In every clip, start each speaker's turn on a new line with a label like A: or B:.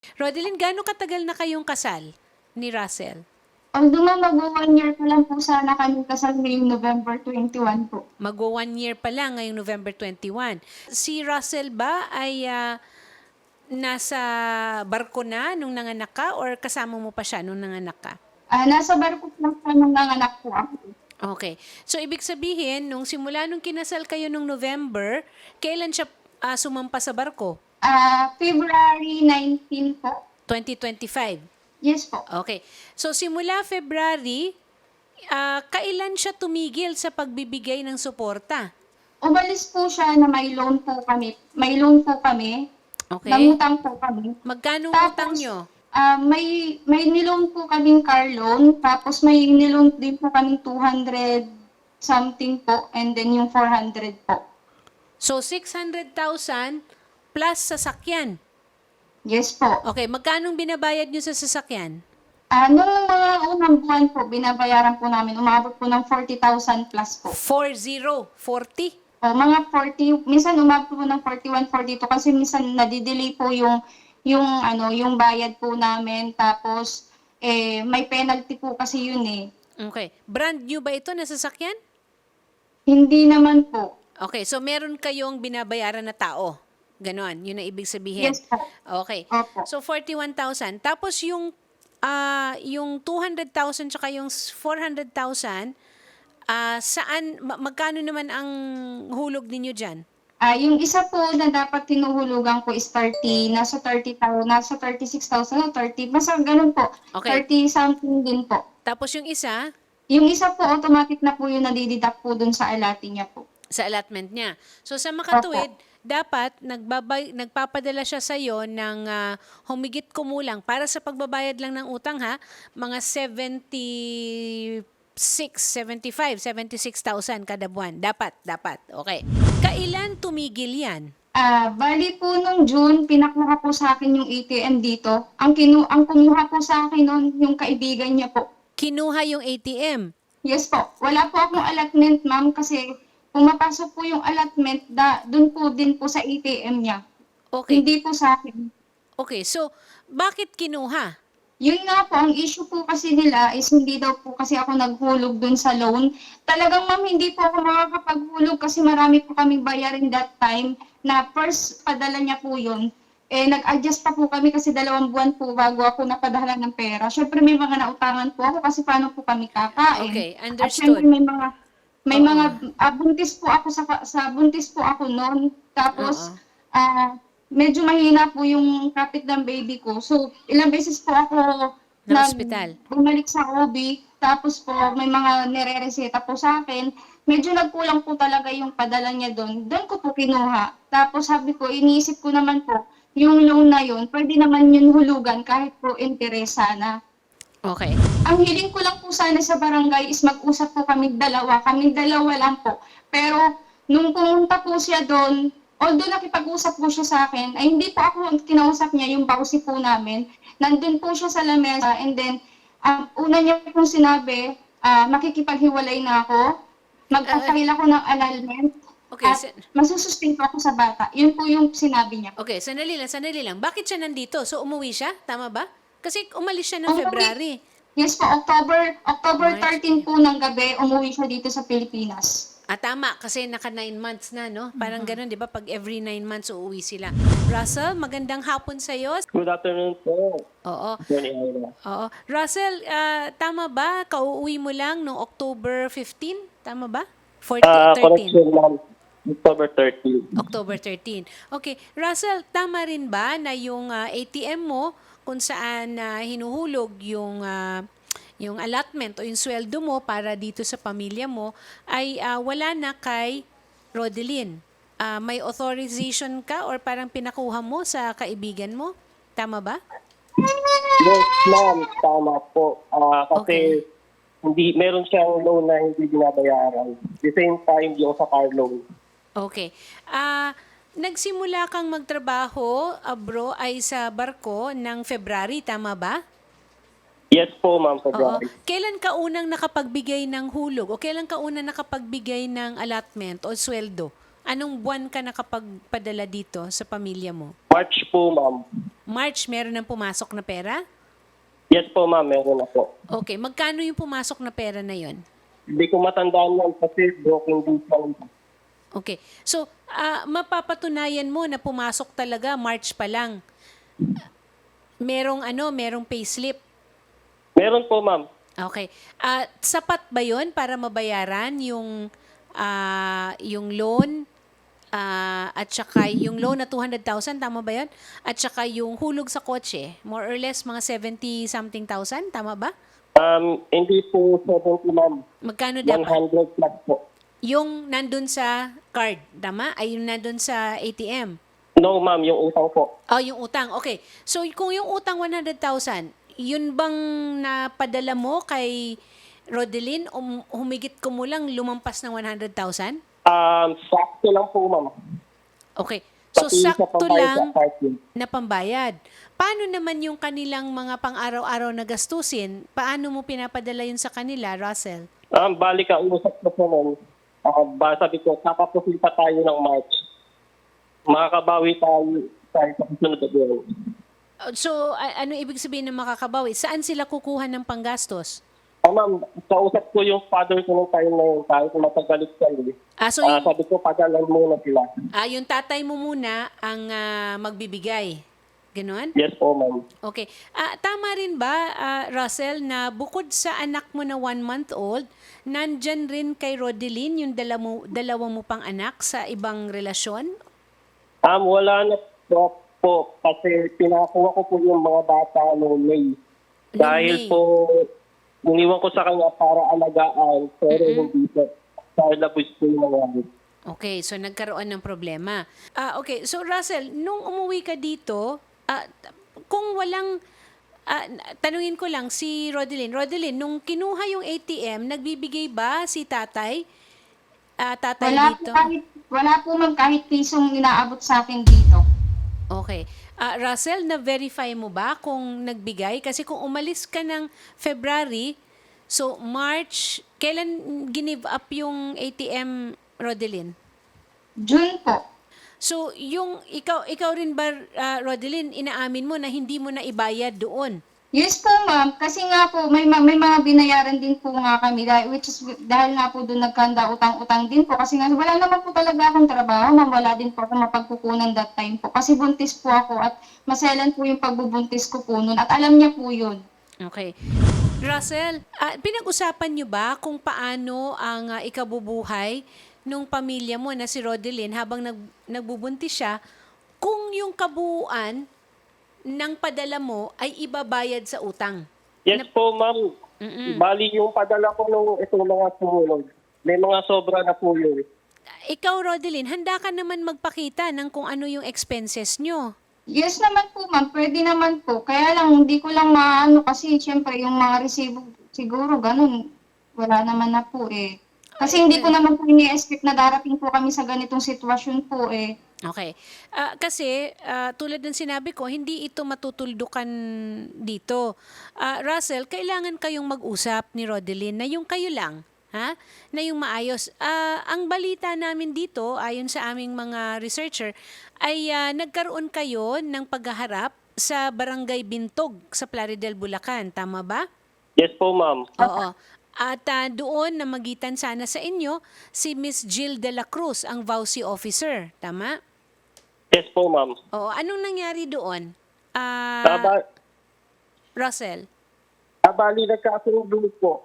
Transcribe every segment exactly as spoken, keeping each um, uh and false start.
A: Rodeline, gaano katagal na kayong kasal ni Russell?
B: Although ma'am, mag-one year pa lang po sana kami kasal ngayong November twenty-one po.
A: Magwo one year pa lang ngayong November twenty-one. Si Russell ba ay ah, nasa barko na nung nanganak ka or kasama mo pa siya nung nanganak ka?
B: Ah, nasa barko po lang po nung nanganak po ako.
A: Okay. So, ibig sabihin, nung simula nung kinasal kayo nung November, kailan siya ah, sumampa sa barko?
B: Ah, February nineteen po.
A: twenty twenty-five.
B: Yes po.
A: Okay. So, simula February, ah, kailan siya tumigil sa pagbibigay ng suporta?
B: Umalis po siya na may loan po kami. May loan po kami.
A: Okay.
B: Nangutang po kami.
A: Magkano ang
B: Tapos,
A: utang nyo?
B: ah, may may niloan po kaming car loan, tapos may niloan din po kaming two hundred something po, and then yung four hundred po.
A: So, six hundred thousand plus sasakyan.
B: Yes po.
A: Okay, magkano binabayad nyo sa sasakyan?
B: Ah, nung mga unang buwan po, binabayaran po namin, umabot po ng forty thousand plus po.
A: forty, forty?
B: O, mga forty, minsan umabot po ng forty-one, forty-two kasi minsan nadidelay po yung yung ano, yung bayad po namin, tapos eh may penalty po kasi yun eh.
A: Okay. Brand new ba ito na sasakyan?
B: Hindi naman po.
A: Okay, so meron kayong binabayaran na tao. Ganon, yun ang ibig sabihin.
B: Yes po.
A: Okay.
B: Opo.
A: So, forty-one thousand. Tapos yung, ah yung two hundred thousand tsaka yung four hundred thousand, ah saan, ma- magkano naman ang hulog ninyo dyan?
B: Ah, yung isa po na dapat tinuhulugan ko is thirty, nasa thirty thousand, nasa thirty-six thousand o thirty, basta ganun po.
A: Okay.
B: thirty something din po.
A: Tapos yung isa,
B: Yung isa po, automatic na po yung nadideduct po dun sa alati niya po.
A: sa allotment niya. So, sa makatuwid, dapat nagbabay, nagpapadala siya sa iyo ng ah, humigit kumulang para sa pagbabayad lang ng utang ha, mga seventy-six, seventy-five, seventy-six thousand kada buwan. Dapat, dapat. Okay. Kailan tumigil yan?
B: Ah, bali po nung June, pinakuha po sa akin yung A T M dito. Ang kinu ang kumuha po sa akin noon yung kaibigan niya po.
A: Kinuha yung A T M.
B: Yes po. Wala po akong allotment, ma'am, kasi pumapasok po yung allotment da doon po din po sa A T M niya.
A: Okay.
B: Hindi po sa akin.
A: Okay, so bakit kinuha?
B: Yun nga po, ang issue po kasi nila is hindi daw po kasi ako naghulog dun sa loan. Talagang ma'am, hindi po ako makakapaghulog kasi marami po kaming bayarin that time na first padala niya po yun. Eh, nag-adjust pa po kami kasi dalawang buwan po bago ako napadala ng pera. Syempre may mga nautangan po ako kasi paano po kami kakain.
A: Okay,
B: At syempre
A: understood.
B: may mga may
A: Oo.
B: mga ah, buntis po ako sa sa buntis po ako noon. Tapos
A: Oo.
B: ah medyo mahina po yung kapit ng baby ko. So, ilang beses po ako
A: Na
B: nag
A: ospital.
B: bumalik sa O B, tapos po may mga nire-reseta po sa akin. Medyo nagkulang po talaga yung padala niya doon. Doon ko po kinuha. Tapos sabi ko, iniisip ko naman po, yung loan na yun, pwede naman yun hulugan kahit po interes sana.
A: Okay.
B: Ang hiling ko lang po sana sa barangay is mag-usap po kami dalawa. Kami dalawa lang po. Pero nung pumunta po siya doon, although nakipag-usap po siya sa akin, ay hindi po ako kinausap niya, yung pausi po namin. Nandun po siya sa lamesa and then, ang una niya pong sinabi, ah, makikipaghiwalay na ako, magpapahil ako ng annulment,
A: Okay,
B: at
A: sa-
B: masusustain po ako sa bata. Yun po yung sinabi niya.
A: Okay, sandali lang, sandali lang. Bakit siya nandito? So, umuwi siya? Tama ba? Kasi umalis siya ng
B: Umuwi-
A: February.
B: Yes po, October, October
A: March.
B: thirteen po ng gabi, umuwi siya dito sa Pilipinas.
A: Ah, tama. Kasi naka nine months na, no? Parang ganun, di ba? Pag every nine months, uuwi sila. Russell, magandang hapon sa'yo.
C: Good afternoon po,
A: Oo.
C: Attorney Ira.
A: Oo. Russell, ah, tama ba? Kauuwi mo lang noong October fifteen? Tama ba? fourteen,
C: Ah,
A: thirteen.
C: correction ma'am, October thirteenth.
A: October thirteen. Okay. Russell, tama rin ba na yung ah, A T M mo kung saan ah, hinuhulog yung ah, yung allotment o yung sweldo mo para dito sa pamilya mo ay ah, wala na kay Rodeline? Ah, may authorization ka or parang pinakuha mo sa kaibigan mo? Tama ba?
C: Yes ma'am, tama po. Ah, kasi hindi, meron siyang loan na hindi binabayaran. The same time yung sa car loan.
A: Okay. Ah, nagsimula kang magtrabaho, ah, bro, ay sa barko ng February, tama ba?
C: Yes po ma'am,
A: Oo.
C: February.
A: Kailan ka unang nakapagbigay ng hulog o kailan ka unang nakapagbigay ng allotment o sweldo? Anong buwan ka nakapagpadala dito sa pamilya mo?
C: March po, ma'am.
A: March, meron ng pumasok na pera?
C: Yes po, ma'am. Meron na po.
A: Okay, magkano yung pumasok na pera na yon?
C: Hindi ko matandaan yan kasi broken din siya.
A: Okay. So, ah, mapapatunayan mo na pumasok talaga March pa lang. Merong ano, merong payslip.
C: Meron po, ma'am.
A: Okay. Ah, sapat ba 'yon para mabayaran yung ah, yung loan ah, at saka yung loan na two hundred thousand, tama ba 'yon? At saka yung hulog sa kotse, more or less mga seventy something thousand, tama ba?
C: Um, hindi po seventy, ma'am.
A: Magkano
C: one
A: dapat?
C: hundred plus po.
A: Yung nandun sa card, tama? Ay yung nandun sa A T M.
C: No, ma'am. Yung utang po.
A: Oh, yung utang. Okay. So, kung yung utang one hundred thousand, yun bang napadala mo kay Rodeline o humigit ko mo lang lumampas ng one hundred thousand?
C: Um, sakto lang po, ma'am.
A: Okay. So,
C: Pati sa
A: sakto
C: pambayad
A: lang
C: sa parking.
A: na pambayad. Paano naman yung kanilang mga pang-araw-araw na gastusin? Paano mo pinapadala yun sa kanila, Russell?
C: Um, balik ka, usap ko po nun. Uh, ba, sabi ko, kakapusin pa tayo ng March. Makakabawi tayo tayo sa susunod na buwan.
A: Uh, So, a- ano ibig sabihin ng makakabawi? Saan sila kukuha ng panggastos?
C: Ah, ma'am, kausap ko yung father ko nung time na yun, kahit matagalit siya. Eh.
A: Ah, so,
C: Ah,
A: yung,
C: sabi ko, padalan muna sila.
A: ah, yung tatay mo muna ang ah, magbibigay. Ganon?
C: Yes po, ma'am.
A: Okay. Ah, tama rin ba, ah, Russell, na bukod sa anak mo na one-month-old, nandyan rin kay Rodeline yung dala mo, dalawa mo pang anak sa ibang relasyon?
C: Um, wala na po, po kasi pinakuha ko po yung mga bata noong May. Dahil
A: May.
C: po, iniwan ko sa kanya para alagaan, pero hindi po. Dahil labos po yung nangyari.
A: Okay, so nagkaroon ng problema. Ah, okay, so Russell, nung umuwi ka dito, ah, t- kung walang, ah, tanungin ko lang si Rodeline. Rodeline, nung kinuha yung A T M, nagbibigay ba si tatay? Ah, tatay
B: Wala po
A: dito?
B: kahit, wala po ma'am kahit pisong inaabot sa akin dito.
A: Okay. Ah, Russell, na-verify mo ba kung nagbigay? Kasi kung umalis ka ng February, so March, kailan give up yung A T M, Rodeline?
B: June po.
A: So, yung ikaw ikaw rin ba, ah, Rodeline, inaamin mo na hindi mo na ibayad doon?
B: Yes po ma'am, kasi nga po may, ma- may mga binayaran din po nga kami dahil, which is dahil nga po doon nagkanda utang-utang din po kasi nga wala naman po talaga akong trabaho, ma'am, wala din po ako mapagkukunan that time po kasi buntis po ako at maselan po yung pagbubuntis ko po noon at alam niya po yun.
A: Okay. Russell, ah, pinag-usapan niyo ba kung paano ang ah, ikabubuhay nung pamilya mo na si Rodeline habang nag, nagbubuntis siya kung yung kabuuan ng padala mo ay ibabayad sa utang?
C: Yes po, ma'am.
A: Mm-mm.
C: Bali yung padala ko nung itong mga sumunod. May mga sobra na po yun.
A: Ikaw, Rodeline, handa ka naman magpakita ng kung ano yung expenses nyo.
B: Yes naman po ma'am, pwede naman po. Kaya lang hindi ko lang maano kasi syempre yung mga resibo siguro ganun. Wala naman na po eh. Kasi hindi ko naman po ini-expect na darating po kami sa ganitong sitwasyon po eh.
A: Okay. Ah, kasi, ah, tulad ng sinabi ko, hindi ito matutuldukan dito. Ah, Russell, kailangan kayong mag-usap ni Rodeline na yung kayo lang, ha? Na yung maayos. Ah, ang balita namin dito, ayon sa aming mga researcher, ay ah, nagkaroon kayo ng paghaharap sa Barangay Bintog sa Plaridel, Bulacan. Tama ba?
C: Yes po, ma'am.
A: Oo. At ah, doon namagitan sana sa inyo si Miss Jill de la Cruz, ang V A U C officer. Tama?
C: Yes po, ma'am.
A: Oo. Anong nangyari doon? Ah,
C: Ah, ba-
A: Russell?
C: ah, bali nagkasundo po.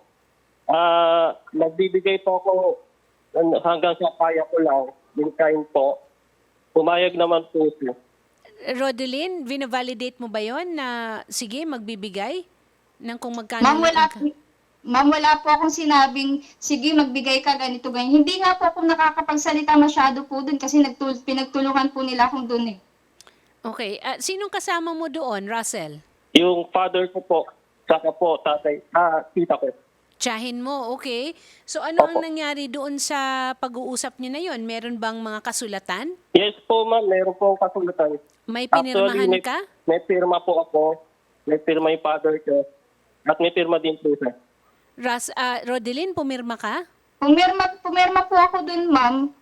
C: Ah, nagbibigay po ako ano, hanggang sa kaya ko lang. Yung time po. Pumayag naman po siya.
A: Rodeline, vina-validate mo ba yon na sige, magbibigay? Ng kung magkano
B: Ma'am,
A: lang
B: wala,
A: ang-
B: ma'am, wala po akong sinabing, sige, magbigay ka ganito, ganyan. Hindi nga po ako nakakapagsalita masyado po dun kasi nagtul- pinagtulungan po nila akong dun eh.
A: Okay. Ah, sinong kasama mo doon, Russell?
C: Yung father ko po, saka po, tatay, ah, tita ko.
A: Tsahin mo, okay. So ano ang
C: Opo.
A: nangyari doon sa pag-uusap niyo na yon? Meron bang mga kasulatan?
C: Yes po, ma'am. Meron po akong kasulatan.
A: May pinirmahan
C: may,
A: ka?
C: may pirma po ako. May pirma yung father ko. At may pirma din po siya.
A: Ras, ah, Rodeline, pumirma ka?
B: Pumirma, pumirma po ako dun, ma'am.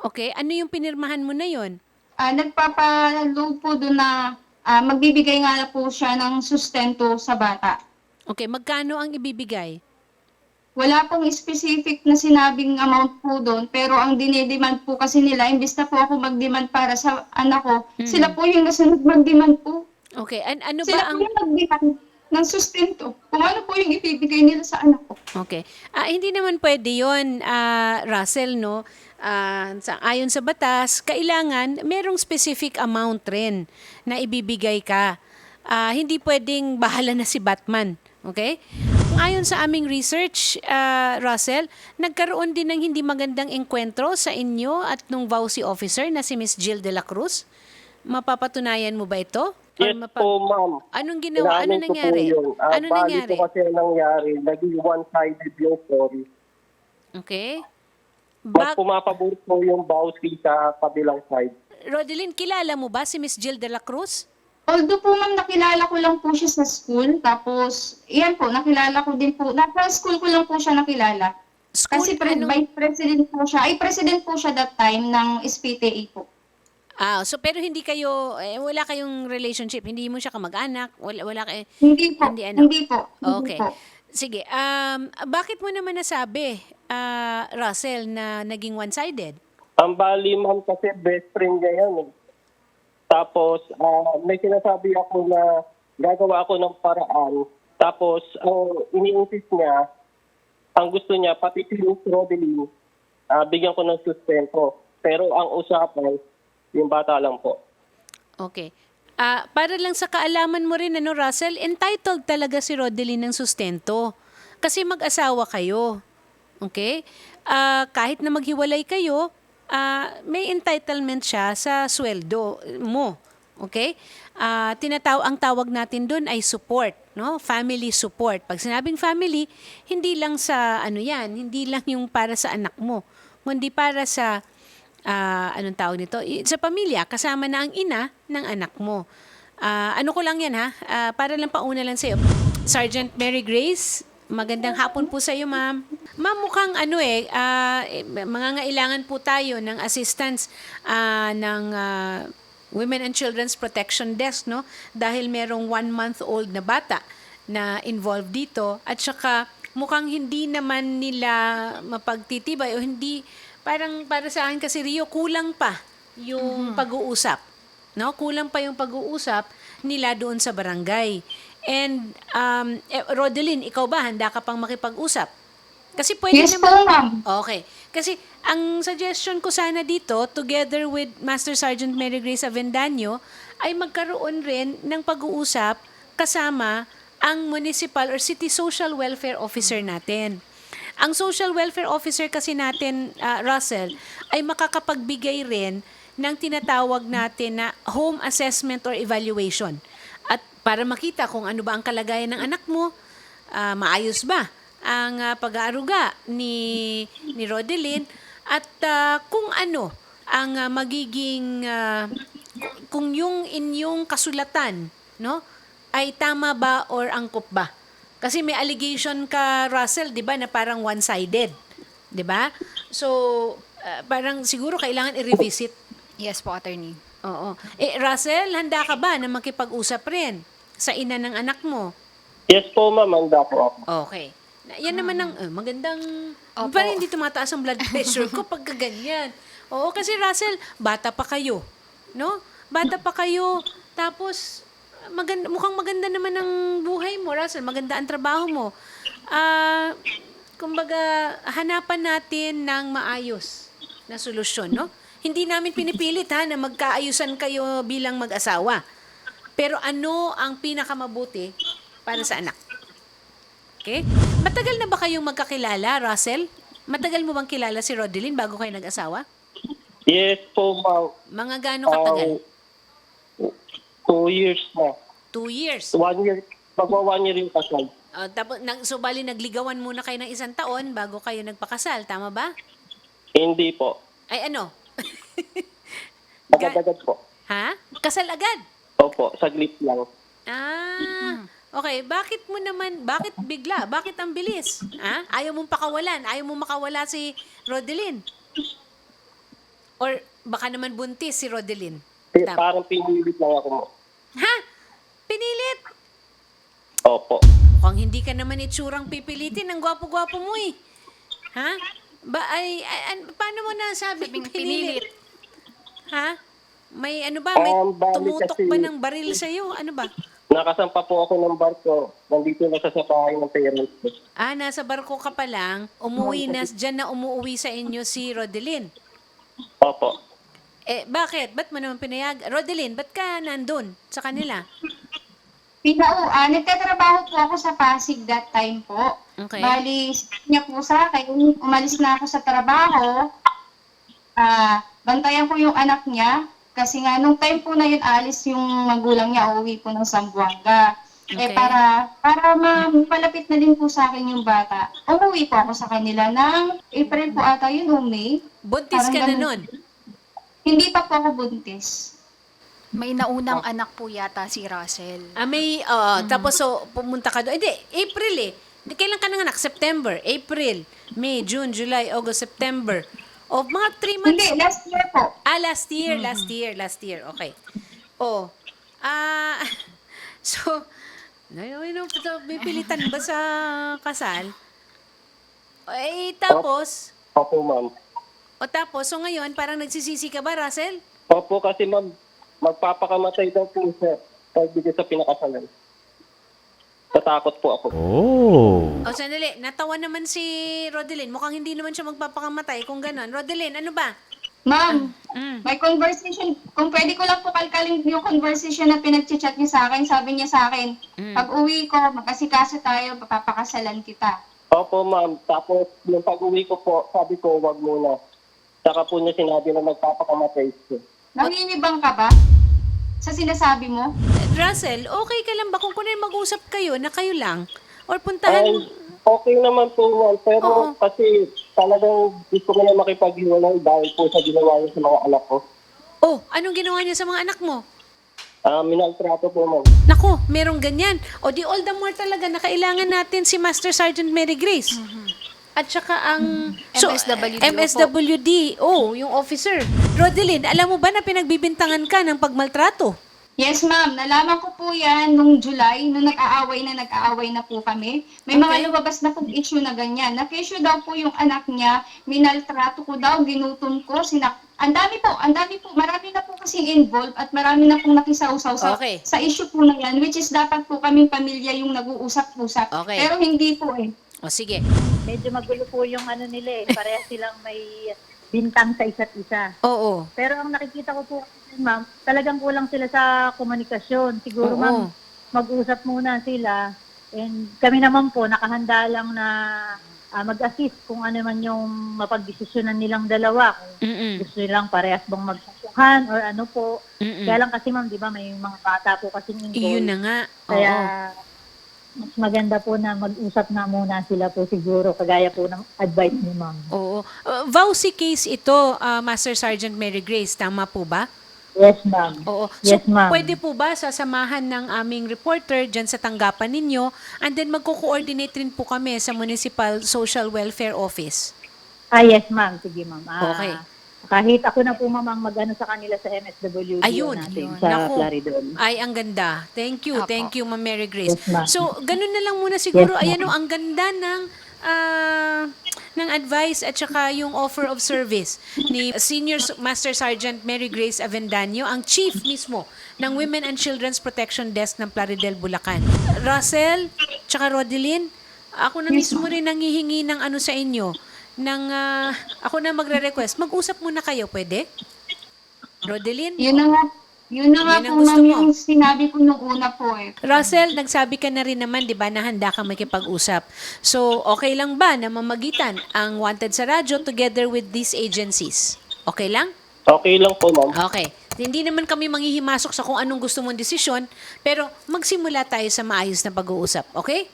A: Okay, ano yung pinirmahan mo na yon?
B: Ah, nagpapa-load po doon na ah, magbibigay nga na po siya ng sustento sa bata.
A: Okay, magkano ang ibibigay?
B: Wala pong specific na sinabing amount po doon, pero ang dinidemand po kasi nila, imbis na po ako mag-demand para sa anak ko,
A: Mhm.
B: sila po yung nasunod mag-demand po.
A: Okay, an- ano ba
B: Sila
A: ang...
B: po yung mag-demand ng sustento. Kung ano po yung ibibigay nila sa anak ko.
A: Okay. Ah, hindi naman pwede yun, ah, Russell, no? Ah, sa, ayon sa batas, kailangan merong specific amount rin na ibibigay ka. Ah, hindi pwedeng bahala na si Batman. Okay? Ayon sa aming research, ah, Russell, nagkaroon din ng hindi magandang enkwentro sa inyo at nung V A U C officer na si Miss Jill de la Cruz. Mapapatunayan mo ba ito? Or
C: Yes
A: mapa-
C: po, ma'am.
A: Anong ginawa? Ano
C: Inaamin ko po
A: nangyari?
C: yun. Ah,
A: Ano
C: bali
A: nangyari?
C: po kasi ang nangyari, naging one-sided yung story.
A: Okay?
C: Mas
A: Bak-
C: pumapabor po yung Bausi sa kabilang side.
A: Rodeline, kilala mo ba si Miss Jill de la Cruz?
B: Although po ma'am, nakilala ko lang po siya sa school, tapos, iyan po, nakilala ko din po, nasa school ko lang po siya nakilala.
A: School,
B: Kasi pre-
A: anong-
B: vice president po siya, ay president po siya that time ng S P T A po.
A: Ah, so pero hindi kayo, eh, wala kayong relationship, hindi mo siya kamag-anak, wala, wala kayo,
B: Hindi po,
A: Hindi
B: hindi,
A: ano?
B: po, hindi
A: Okay.
B: po.
A: Sige, um, bakit mo naman nasabi, ah, Russell, na naging one-sided?
C: Ang bali, ma'am, kasi best friend niya yan. Eh. Tapos, ah, may sinasabi ako na gagawa ako ng paraan. Tapos, ang ini-insist niya, ang gusto niya, pati si Miss Rodeline, ah, bigyan ko ng sustento. Pero ang usapan, yung bata lang po.
A: Okay. Ah, para lang sa kaalaman mo rin, ano, Russell, entitled talaga si Rodeline ng sustento. Kasi mag-asawa kayo. Okay? Ah, kahit na maghiwalay kayo, ah, may entitlement siya sa sweldo mo. Okay? Ah, tinataw ang tawag natin doon ay support, no? Family support. Pag sinabing family, hindi lang sa ano 'yan, hindi lang yung para sa anak mo, kundi para sa ah, anong tawag nito? I- Sa pamilya, kasama na ang ina ng anak mo. Ah, ano ko lang yan ha, Ah, para lang pauna lang sa'yo. Sergeant Mary Grace, magandang hapon po sa'yo, ma'am. Ma'am, mukhang ano eh, ah, eh, mangangailangan po tayo ng assistance ah, ng ah, Women and Children's Protection Desk, no? Dahil merong one-month-old na bata na involved dito at saka mukhang hindi naman nila mapagtitibay o hindi. Parang para sa akin kasi Rio, kulang pa yung pag-uusap. No? Kulang pa yung pag-uusap nila doon sa barangay. And um, eh, Rodeline, ikaw ba handa ka pang makipag-usap? Kasi pwede
B: Yes po
A: naman.
B: ma'am.
A: Okay. Kasi ang suggestion ko sana dito, together with Master Sergeant Mary Grace Avendaño, ay magkaroon rin ng pag-uusap kasama ang municipal or city social welfare officer natin. Ang social welfare officer kasi natin, ah, Russell, ay makakapagbigay rin ng tinatawag natin na home assessment or evaluation. At para makita kung ano ba ang kalagayan ng anak mo, ah, maayos ba ang ah, pag-aaruga ni, ni Rodeline, at ah, kung ano ang ah, magiging, ah, kung yung inyong kasulatan, no, ay tama ba or angkop ba? Kasi may allegation ka, Russell, 'di ba, na parang one-sided, 'di ba? So, ah, parang siguro kailangan i-revisit.
D: Yes po, attorney.
A: Oo. Eh, Russell, handa ka ba na makipag-usap rin sa ina ng anak mo?
C: Yes po, ma'am. Handa po ako.
A: Okay. Na- Yan naman ang eh, magandang...
D: Opo.
A: Parang hindi tumataas ang blood pressure ko pag ganyan. Oo, kasi Russell, bata pa kayo. No? Bata pa kayo. Tapos, maganda, mukhang maganda naman ang buhay mo, Russell. Maganda ang trabaho mo. Ah, kumbaga, hanapan natin ng maayos na solusyon, no? Hindi namin pinipilit ha na magkaayusan kayo bilang mag-asawa. Pero ano ang pinakamabuti para sa anak? Okay? Matagal na ba kayong magkakilala, Russell? Matagal mo bang kilala si Rodeline bago kayo nag-asawa?
C: Yes po, ma'am.
A: Mga gaano katagal?
C: Um, two years na.
A: Two years.
C: One year. Magwa one year yung kasal.
A: Uh, tapos, nag, so bali nagligawan muna kayo ng isang taon bago kayo nagpakasal. Tama ba?
C: Hindi po.
A: Ay ano?
C: Agad-agad po.
A: Ha? Kasal agad?
C: Opo, saglit lang.
A: Ah, okay. Bakit mo naman, bakit bigla? Bakit ang bilis? Ha? Ayaw mong pakawalan? Ayaw mong makawala si Rodeline? Or baka naman buntis si Rodeline?
C: Pi-
A: Tam.
C: Parang pinilit lang ako mo.
A: Ha? Pinilit?
C: Opo.
A: Mukhang hindi ka naman itsurang pipilitin. Ang gwapo-gwapo mo eh. Ha? Ba, ay, ay, an- paano mo nasabi
D: Sabing
A: pinilit?
D: pinilit.
A: Ha? May ano ba? May
C: Um, bali
A: tumutok
C: kasi-
A: ba ng baril sa'yo? Ano ba?
C: Nakasampa po ako ng barko. Nandito na siya sa bahay ng parents ko.
A: Ah, nasa barko ka pa lang. Umuwi na, dyan na umuwi sa inyo si Rodeline.
C: Opo.
A: Eh, bakit? Ba't mo naman pinayag? Rodeline, ba't ka nandun sa kanila?
B: Pinau, ah, nagtatrabaho po ako sa Pasig that time po.
A: Okay.
B: Bali, sabi niya po sa akin, umalis na ako sa trabaho, ah, bantayan ko yung anak niya, kasi nga, nung time po na yun, alis yung magulang niya, uuwi po ng Zamboanga. Eh,
A: Okay.
B: para, para ma- malapit na din po sa akin yung bata, umuwi po ako sa kanila ng April po ata yun, o May.
A: Buntis ka na
B: Parang
A: nun.
B: Hindi pa po ako buntis.
D: May naunang anak po yata si Russell.
A: Ah, may, oo, tapos so, pumunta ka doon. Hindi, April eh. Di- Kailan ka nanganak? September, April, May, June, July, August, September. O, mga three months.
B: Hindi, last year po.
A: Ah, last year, last year, last year. Okay. Oh. Ah, so, ano, ano, may pilitan ba sa kasal? Eh, tapos,
C: Opo, ma'am.
A: o tapos, so ngayon, parang nagsisisi ka ba, Russell?
C: Opo, kasi ma'am, magpapakamatay daw po siya pagbigay sa pinakasalan. Natakot po ako.
E: Oh.
A: O, sandali, natawa naman si Rodeline. Mukhang hindi naman siya magpapakamatay kung gano'n. Rodeline, ano ba?
B: Ma'am,
A: Mm.
B: may conversation, kung pwede ko lang po kalkalin yung conversation na pinag-chat niya sa akin, sabi niya sa akin,
A: Mm.
B: pag uwi ko, magkasikaso tayo, papapakasalan kita.
C: Opo, ma'am. Tapos, yung pag-uwi ko po, sabi ko, wag muna. Saka po niya sinabi na magpapakamatay siya.
B: Nanginibang ka ba sa sinasabi mo?
A: Russell, okay ka lang ba kung kunay mag-usap kayo na kayo lang? Or puntahan...
C: Ay, okay naman po, ma'am. Pero
A: Oo.
C: kasi talagang gusto ko na makipaghiwalay dahil po sa ginawa niya sa mga anak ko.
A: Oh, anong ginawa niya sa mga anak mo?
C: Ah, minaltrato po, ma'am.
A: Nako, merong ganyan. O di all the more talaga na kailangan natin si Master Sergeant Mary Grace. At saka ang...
D: M S W D O
A: M S W D O, yung officer. Rodeline, alam mo ba na pinagbibintangan ka ng pagmaltrato?
B: Yes, ma'am. Nalaman ko po yan nung July, nung nag-aaway na nag-aaway na po kami. May
A: Okay.
B: mga lumabas na pong issue na ganyan. Nag-issue daw po yung anak niya, minaltrato ko daw, ginutom ko, sinak... Ang dami po, ang dami po, marami na po kasing involved at marami na pong nakisawsaw sa,
A: Okay.
B: sa issue po na yan, which is dapat po kaming pamilya yung nag-uusap-usap.
A: Okay.
B: Pero hindi po eh.
A: O sige.
F: Medyo magulo po yung ano nila eh. Parehas silang may bintang sa isa't isa.
A: Oo.
F: Pero ang nakikita ko po, ma'am, talagang kulang sila sa komunikasyon. Siguro,
A: Oo.
F: ma'am, mag-usap muna sila. And kami naman po, nakahanda lang na ah, mag-assist kung ano man yung mapagdesisyonan nilang dalawa. Kung
A: Mm-mm.
F: gusto nilang parehas bang magsasuhan or ano po.
A: Mm-mm.
F: Kaya lang kasi, ma'am, di ba, may mga bata po kasi involved.
A: Iyon na nga.
F: Kaya,
A: Oo.
F: mas maganda po na mag-usap na muna sila po siguro, kagaya po ng advice ni ma'am.
A: Oo. Uh, Vauci case ito, uh, Master Sergeant Mary Grace. Tama po ba?
F: Yes, ma'am.
A: Oo. So,
F: Yes, ma'am.
A: pwede po ba sasamahan ng aming reporter dyan sa tanggapan ninyo and then magko-coordinate rin po kami sa Municipal Social Welfare Office?
F: Ah, yes, ma'am. Sige, ma'am. Ah,
A: Okay.
F: Kahit ako na po, ma'am, ang mag-ano sa kanila sa M S W D
A: Ayun.
F: natin,
A: Ayun.
F: sa
A: Naku.
F: Claridon.
A: Ay, ang ganda. Thank you.
D: Apo.
A: Thank you, Ma'am Mary Grace.
F: Yes, ma'am.
A: So, ganun na lang muna siguro.
F: Yes, ma'am.
A: Ayan o, ang ganda ng ah, ng advice at saka yung offer of service ni Senior Master Sergeant Mary Grace Avendaño, ang chief mismo ng Women and Children's Protection Desk ng Plaridel, Bulacan. Russell, tsaka Rodeline, ako na mismo rin nangihingi ng ano sa inyo, ng, ah, ako na magre-request. Mag-usap muna kayo, pwede? Rodeline?
B: Yun na nga, yun na nga
A: Yun ang
B: po,
A: gusto
B: ma'am,
A: mo.
B: yung sinabi ko nung una po eh.
A: Russell, nagsabi ka na rin naman, di ba, na handa ka makipag-usap. So, okay lang ba na mamagitan ang Wanted sa Radyo together with these agencies? Okay lang?
C: Okay lang po, ma'am.
A: Okay. Hindi naman kami manghihimasok sa kung anong gusto mong desisyon, pero magsimula tayo sa maayos na pag-uusap. Okay?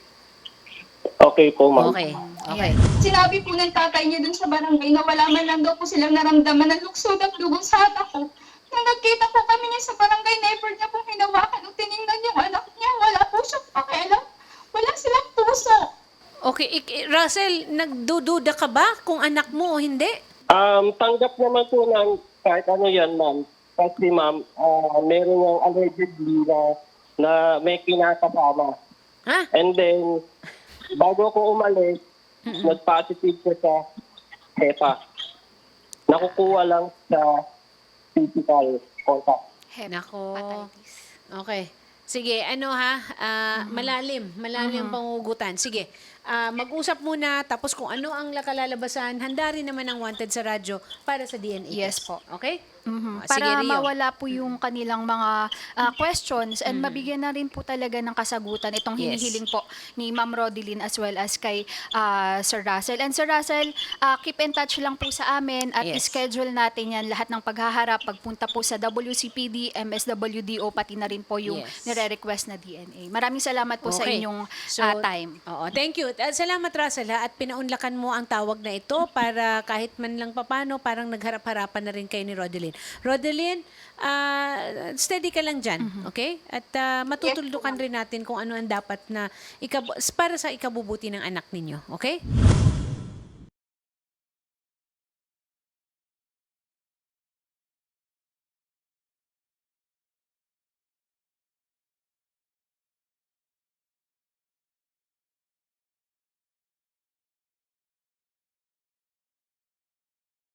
C: Okay po, ma'am.
A: Okay. Okay.
B: Sinabi po ng tatay niya dun sa barangay na wala man lang daw po silang naramdaman ng luksod at dugo sa anak ko. Nung nagkita po kami niya sa barangay, never niya pong hinawakan o tiningnan yung anak niya. Wala po siyang pakialam. Wala silang puso.
A: Okay. Ik- Russell, nagdududa ka ba kung anak mo o hindi?
C: Um, tanggap naman po ng kahit ano yan, ma'am. Kasi ma'am, ah, meron yung allegedly na, na may kinakasama.
A: Ha?
C: And then, bago ako umalis, nag-positive siya sa HEPA. Nakukuha lang sa physical contact.
A: Nako.
D: Hepatitis.
A: Okay. Sige, ano ha? Ah, Malalim. Malalim ang pangugutan. Sige. Ah, mag-usap muna, tapos kung ano ang kalalabasan, handa rin naman ang wanted sa radyo para sa D N A
D: Yes
A: test.
D: po.
A: Okay?
D: Mhm.
A: Ah, sige,
D: Para
A: Rio.
D: mawala po yung kanilang mga ah, questions and mabigyan na rin po talaga ng kasagutan itong
A: Yes.
D: hinihiling po ni Ma'am Rodeline as well as kay ah, Sir Russell. And Sir Russell, ah, keep in touch lang po sa amin at
A: Yes.
D: schedule natin yan lahat ng paghaharap, pagpunta po sa W C P D, M S W D O, pati na rin po yung
A: Yes.
D: nire-request na D N A. Maraming salamat po sa
A: Okay.
D: inyong
A: So,
D: ah, time.
A: Oo, thank you. At salamat, Russell, ha, at pinaunlakan mo ang tawag na ito para kahit man lang papano, parang nagharap-harapan na rin kayo ni Rodeline. Rodeline, ah, steady ka lang dyan, okay? At ah, matutuldukan rin natin kung ano ang dapat na ikab- para sa ikabubuti ng anak ninyo, okay?